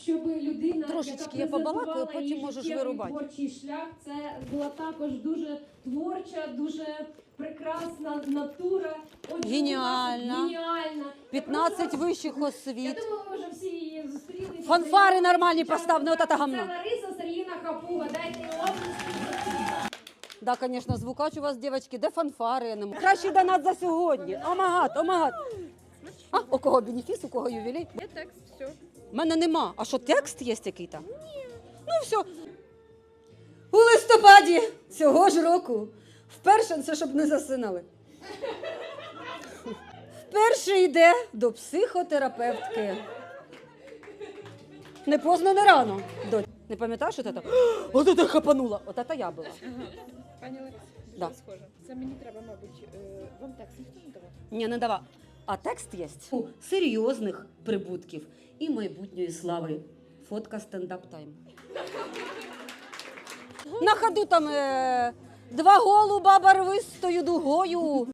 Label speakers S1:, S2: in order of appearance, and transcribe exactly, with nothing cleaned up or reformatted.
S1: Щоб людина,
S2: Трошечки
S1: яка
S2: я побалакаю,
S1: презентувала
S2: потім
S1: її
S2: можеш
S1: життєвий
S2: вирубати.
S1: творчий шлях, це була також дуже творча, дуже прекрасна натура. Отже,
S2: Геніальна.
S1: Геніальна.
S2: п'ятнадцять
S1: Я
S2: вищих
S1: прошу вас-
S2: освіт.
S1: Я думаю, ви вже всі її зустріли.
S2: Фанфари нормальні постав, не от це гамно.
S1: Це Лариса Сергіївна Хапуга, дайте їй оплески.
S2: Да, звісно, звукач у вас, дівчатки, де фанфари? Я не можу. Кращий донат за сьогодні. Омагат, омагат. А, у кого бенефіс, у кого ювілей?
S3: Є текст, все.
S2: У мене нема. А що, текст є який-то? Ні. Ну все. У листопаді цього ж року вперше, це щоб не засинали, вперше йде до психотерапевтки. Не поздно, не рано. Доть. Не пам'ятаєш, що це? От це хапанула. От це я була.
S3: Пані Олексій,
S2: Да.
S3: що схоже? Це мені треба, мабуть, е, вам текст ніхто не давав?
S2: Ні, не дава. А текст є у серйозних прибутків і майбутньої слави. Фотка стендап тайм. На ходу там е, два голуба барвистою дугою.